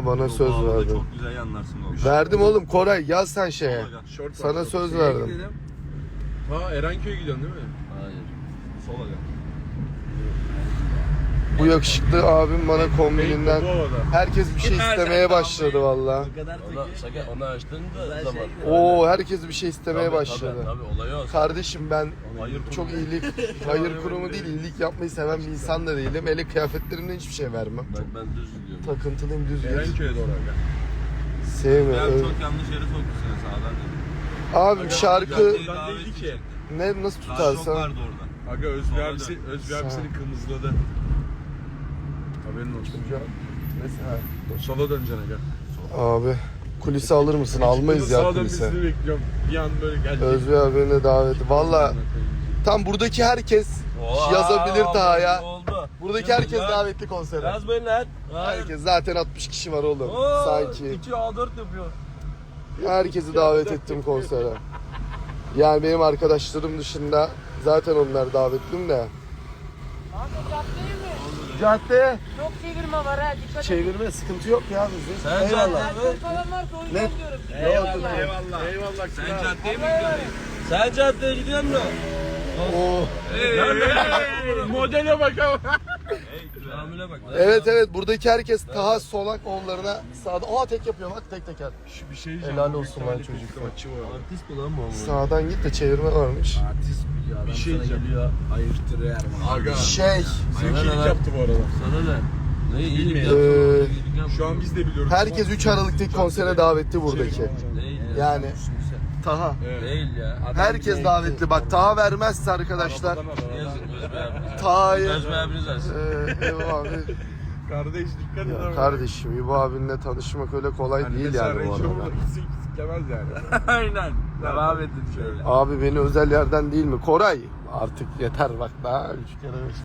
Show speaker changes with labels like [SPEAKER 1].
[SPEAKER 1] bana söz verdin.
[SPEAKER 2] Çok güzel yanlarsın oğlum.
[SPEAKER 1] Verdim oğlum Koray, yaz sen şeye.
[SPEAKER 3] Short
[SPEAKER 1] Sana
[SPEAKER 3] var.
[SPEAKER 1] söz verdim.
[SPEAKER 3] Ha Erenköy'e gidiyorsun değil mi?
[SPEAKER 2] Hayır. Sola gel.
[SPEAKER 1] Bu yakışıklı abim bana kombininden
[SPEAKER 3] Bu havada.
[SPEAKER 1] herkes bir şey istemeye başladı valla.
[SPEAKER 2] Onu açtın da zaman.
[SPEAKER 1] Oo, herkes bir şey istemeye başladı.
[SPEAKER 2] Tabii olayı o.
[SPEAKER 1] Kardeşim ben
[SPEAKER 2] Hayır
[SPEAKER 1] çok iyilik, hayır kurumu değil, iyilik yapmayı seven bir insan da değilim. Hele kıyafetlerimden hiçbir şey vermem.
[SPEAKER 2] Ben düz gidiyorum.
[SPEAKER 1] Takıntılıyım, düz gidiyorum.
[SPEAKER 3] Erenköy'e doğru gel.
[SPEAKER 1] Sevmiyorum.
[SPEAKER 2] Ben çok yanlış yere sokmuşsun ya, sağdan dedim.
[SPEAKER 1] Abim şarkı
[SPEAKER 3] Buradan değildi ki.
[SPEAKER 1] ne nasıl
[SPEAKER 2] Daha çok
[SPEAKER 1] tutarsan.
[SPEAKER 2] vardı orada.
[SPEAKER 3] Aga Özgür
[SPEAKER 2] Sola
[SPEAKER 3] abisi,
[SPEAKER 2] dön.
[SPEAKER 3] Özgür abi seni kırmızıladı. Haberin olsun.
[SPEAKER 1] Mesela.
[SPEAKER 3] Sola döneceksin aga.
[SPEAKER 1] Abi kulise alır mısın? Almayız ya
[SPEAKER 3] Sağa
[SPEAKER 1] kulise.
[SPEAKER 3] dönmesini bekliyorum. Bir an böyle gelecek.
[SPEAKER 1] Özgür abine daveti. Valla tam buradaki herkes yazabilir Taha'ya.
[SPEAKER 2] Oldu.
[SPEAKER 1] Buradaki herkes davetli konsere.
[SPEAKER 2] Yaz beni lan.
[SPEAKER 1] Herkes zaten 60 kişi var oğlum. Sanki.
[SPEAKER 2] 2 A4 yapıyor.
[SPEAKER 1] Herkesi davet ettim konsere. Yani benim arkadaşlarım dışında zaten onlar davetlim de.
[SPEAKER 4] Abi caddeye mi?
[SPEAKER 1] Cadde
[SPEAKER 4] Çok çevirme var ha, dikkat et.
[SPEAKER 1] çevirme sıkıntı yok ya bizim.
[SPEAKER 2] Sen
[SPEAKER 1] Eyvallah.
[SPEAKER 4] Alkol falan varsa o yüzden
[SPEAKER 1] Ne?
[SPEAKER 4] diyorum.
[SPEAKER 1] Eyvallah.
[SPEAKER 3] Eyvallah. Eyvallah.
[SPEAKER 2] Sen caddeye mi gidiyorsun? Sen caddeye gidiyorsun da.
[SPEAKER 1] Oo.
[SPEAKER 3] Modele bak ama.
[SPEAKER 2] Amile bak.
[SPEAKER 1] Evet buradaki herkes Taha Solak oğullarına sağda. Aa tek yapıyor bak, tek teker.
[SPEAKER 3] Bir şey diyeceğim.
[SPEAKER 1] Helal olsun lan çocuk.
[SPEAKER 3] Maçı var.
[SPEAKER 2] Artist mi lan bu?
[SPEAKER 1] Sağdan git de çevirme varmış.
[SPEAKER 5] Artist biliyor adam
[SPEAKER 3] Bir şey
[SPEAKER 5] sana
[SPEAKER 3] diyeceğim.
[SPEAKER 5] geliyor ayırtır Erman.
[SPEAKER 3] Aga.
[SPEAKER 1] Şey,
[SPEAKER 3] Zekilik yaptı bu arada.
[SPEAKER 2] Sana ne? Ne iyilik
[SPEAKER 3] Bilmiyorum.
[SPEAKER 2] yaptın?
[SPEAKER 3] Şu an biz de biliyoruz.
[SPEAKER 1] herkes 3 Aralık'taki konsere davetli buradaki.
[SPEAKER 2] Değil ya.
[SPEAKER 1] Yani Taha.
[SPEAKER 3] Evet.
[SPEAKER 2] Değil ya.
[SPEAKER 1] Herkes davetli. Bak Taha vermezse arkadaşlar.
[SPEAKER 2] Yazık Özbey abiniz.
[SPEAKER 1] Taha'yı
[SPEAKER 2] Özbey abiniz versin.
[SPEAKER 1] İbo abi.
[SPEAKER 3] Kardeş dikkat et
[SPEAKER 1] Ya
[SPEAKER 3] ama.
[SPEAKER 1] kardeşim İbo abinle tanışmak öyle kolay
[SPEAKER 3] Hani
[SPEAKER 1] değil
[SPEAKER 3] mesela
[SPEAKER 1] yani bu
[SPEAKER 3] Range
[SPEAKER 1] arada.
[SPEAKER 3] Rover'da siklemez yani.
[SPEAKER 2] Aynen. Devam edin şöyle.
[SPEAKER 1] Abi beni özel yerden değil mi? Koray artık yeter bak daha 3 kere